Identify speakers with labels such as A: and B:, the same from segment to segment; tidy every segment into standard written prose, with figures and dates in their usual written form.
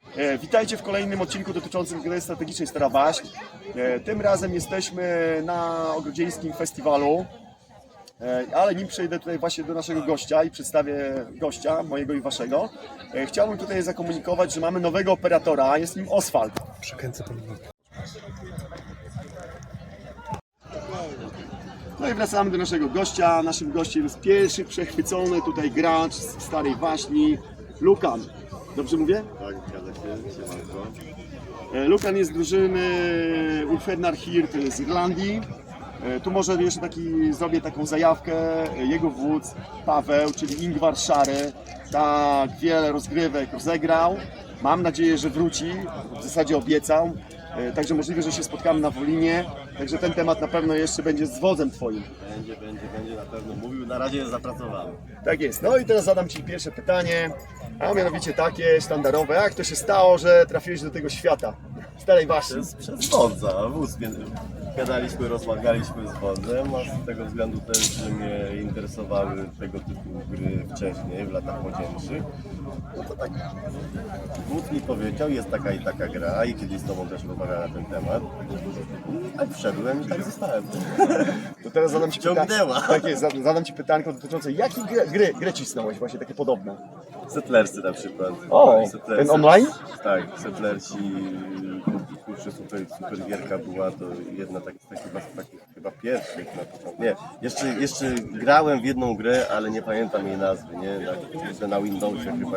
A: Witajcie w kolejnym odcinku dotyczącym gry strategicznej Stara Waśń. Tym razem jesteśmy na Ogrodzieńskim Festiwalu, ale nim przejdę tutaj właśnie do naszego gościa i przedstawię gościa, mojego i waszego, chciałbym tutaj zakomunikować, że mamy nowego operatora, jest nim Oswald.
B: Przekręcę pan.
A: No i wracamy do naszego gościa. Naszym gościem jest pierwszy przechwycony tutaj gracz z Starej Waśni, Lukan. Dobrze mówię?
C: Tak, zgadza się, siemanko.
A: Lukan jest z drużyny Ulfhednar Hirt z Irlandii. Tu może jeszcze zrobię taką zajawkę. Jego wódz Paweł, czyli Ingvar Szary, tak wiele rozgrywek rozegrał. Mam nadzieję, że wróci, w zasadzie obiecał. Także możliwe, że się spotkamy na Wolinie. Także ten temat na pewno jeszcze będzie z wodzem twoim.
C: Będzie na pewno mówił, na razie jest zapracowany.
A: Tak jest. No i teraz zadam ci pierwsze pytanie, a mianowicie takie sztandarowe. Jak to się stało, że trafiłeś do tego świata Starej Waśni?
C: Przez wodza, wóz. Gadaliśmy, rozmawialiśmy z wodzem, a z tego względu też, że mnie interesowały tego typu gry wcześniej, w latach młodzieńczych. No to tak, wódz mi powiedział, jest taka i taka gra i kiedyś z tobą też rozmawiałem na ten temat. I tak wszedłem i tak zostałem.
A: To teraz zadam ci
C: Ciągnęła.
A: Tak jest, zadam ci pytanko dotyczące, jakie gry cisnąłeś właśnie takie podobne?
C: Settlersy na przykład.
A: O,
C: Settlersy.
A: ten online?
C: Tak, Settlersi, kurczę, super gierka była, to jedna z takich chyba pierwszych na początku. Nie, jeszcze grałem w jedną grę, ale nie pamiętam jej nazwy, nie? Na Windowsie chyba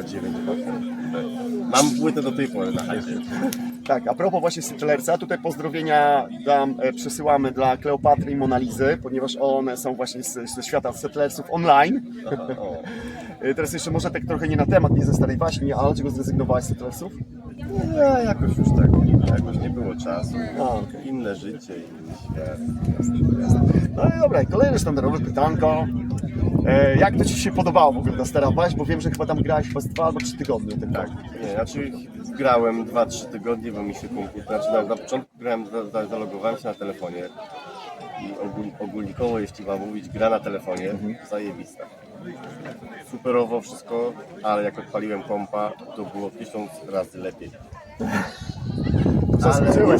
C: 9.8. Mam płytę do tej pory na hajsie.
A: Tak, a propos właśnie Settlersa, tutaj pozdrowienia przesyłamy dla Kleopatry i Monalizy, ponieważ one są właśnie ze świata Settlersów online.
C: O.
A: Teraz jeszcze może tak trochę nie na temat, nie ze Starej Waśni, ale dlaczego zrezygnowałeś z Settlersów?
C: No, jakoś już tak, jakoś nie było czasu.
A: okej.
C: Inne życie, inny świat.
A: No i dobra, kolejne sztandarowe pytanko. Jak to ci się podobało w ogóle ta Stara Waśń? Bo wiem, że chyba tam grałeś chyba 2 albo 3 tygodnie. Tak.
C: Nie, znaczy grałem 2-3 tygodnie, bo mi się komputer, znaczy na początku grałem, zalogowałem się na telefonie i ogólnikowo, jeśli mam mówić, gra na telefonie, zajebista. Superowo wszystko, ale jak odpaliłem kompa, to było 1000 razy lepiej.
A: Zaskoczyłeś.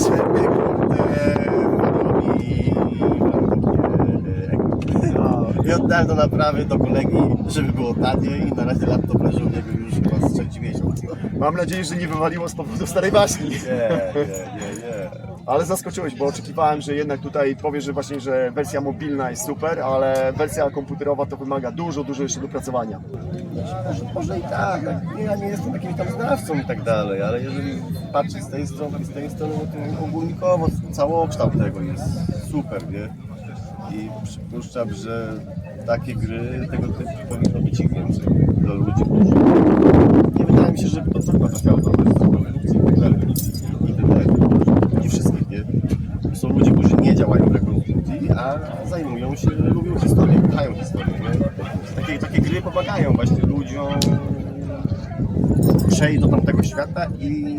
C: I oddałem do naprawy do kolegi, żeby było taniej i na razie laptop leży u niego już chyba z 3 miesiąc.
A: Mam nadzieję, że nie wywaliło z powodu Starej Waśni.
C: Nie.
A: Ale zaskoczyłeś, bo oczekiwałem, że jednak tutaj powiesz, że właśnie, że wersja mobilna jest super, ale wersja komputerowa to wymaga dużo jeszcze dopracowania.
C: Może i tak, ja nie jestem jakimś tam znawcą i tak dalej, ale jeżeli patrzeć z tej strony, no to ogólnikowo całokształt tego jest super, nie? I przypuszczam, że takie gry tego typu powinno być ich więcej dla ludzi. Nie wydaje mi się, że to trafiało do nie wszystkich, nie? Są ludzie, którzy nie działają w rekonstrukcji, a zajmują się, lubią historię, kochają historię, nie? Takie gry pomagają właśnie ludziom przejść do tamtego świata i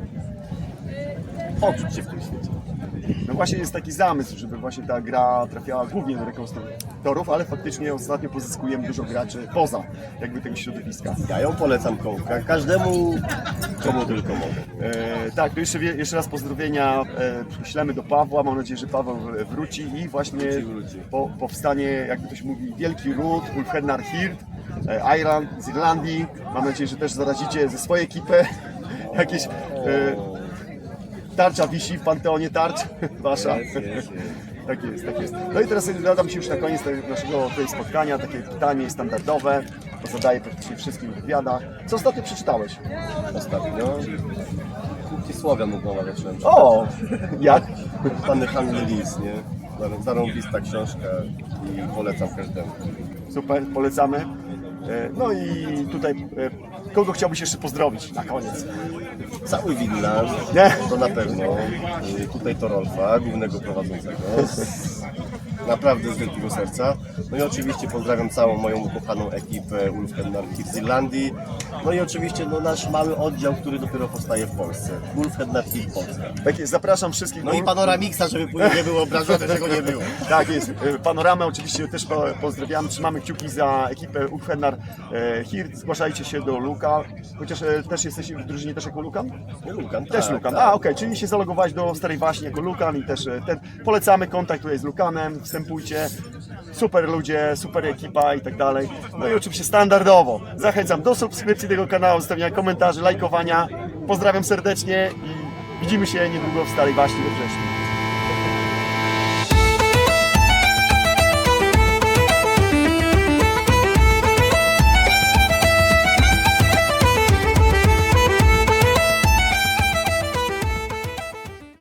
C: poczuć się w tym świecie.
A: No właśnie jest taki zamysł, żeby właśnie ta gra trafiała głównie do rekonstruktorów, ale faktycznie ostatnio pozyskujemy dużo graczy poza jakby tego środowiska.
C: Ja ją polecam każdemu, komu tylko mogę.
A: Tak, to jeszcze raz pozdrowienia ślemy do Pawła, mam nadzieję, że Paweł wróci i właśnie
C: Wróci.
A: powstanie, jak ktoś mówi, wielki ród, Ulfhednar Hirt, z Irlandii. Mam nadzieję, że też zarazicie ze swojej ekipy jakieś... Tarcza wisi w Panteonie Tarcz, wasza.
C: Jest.
A: Tak jest. No i teraz zadam Ci już na koniec naszego tutaj spotkania takie pytanie standardowe, to zadaję praktycznie wszystkim w wywiadach. Co ostatnio przeczytałeś?
C: Ostatnio Kuki Słowian od nowa zacząłem czytać.
A: O! Jak?
C: Pany Handel Lis, nie? Zarąbista książka i polecam każdemu.
A: Super, polecamy. No i tutaj kogo chciałbyś jeszcze pozdrowić na koniec?
C: Cały Winland,
A: Nie.
C: to na pewno. Tutaj Torolfa, głównego prowadzącego. naprawdę z wielkiego serca. No i oczywiście pozdrawiam całą moją ukochaną ekipę Ulfhednar Hirt z Irlandii. No i oczywiście nasz mały oddział, który dopiero powstaje w Polsce. Ulfhednar Hirt Polska.
A: Tak jest, zapraszam wszystkich.
C: No i Panoramixa, żeby później nie było obrażone, że go nie było.
A: Tak jest, Panoramę oczywiście też pozdrawiamy, trzymamy kciuki za ekipę Ulfhednar Hirt, zgłaszajcie się do Luka, chociaż też jesteś w drużynie też jako Lukan?
C: Lukan,
A: Też
C: tak,
A: Lukan,
C: tak.
A: okej, czyli się zalogowałeś do Starej Waśni jako Lukan i też polecamy kontakt tutaj z Lukanem, wstępujcie, super ludzie, super ekipa i tak dalej. No i oczywiście standardowo zachęcam do subskrypcji tego kanału, zostawiania komentarzy, lajkowania, pozdrawiam serdecznie i widzimy się niedługo w Starej Waśni we wrześniu.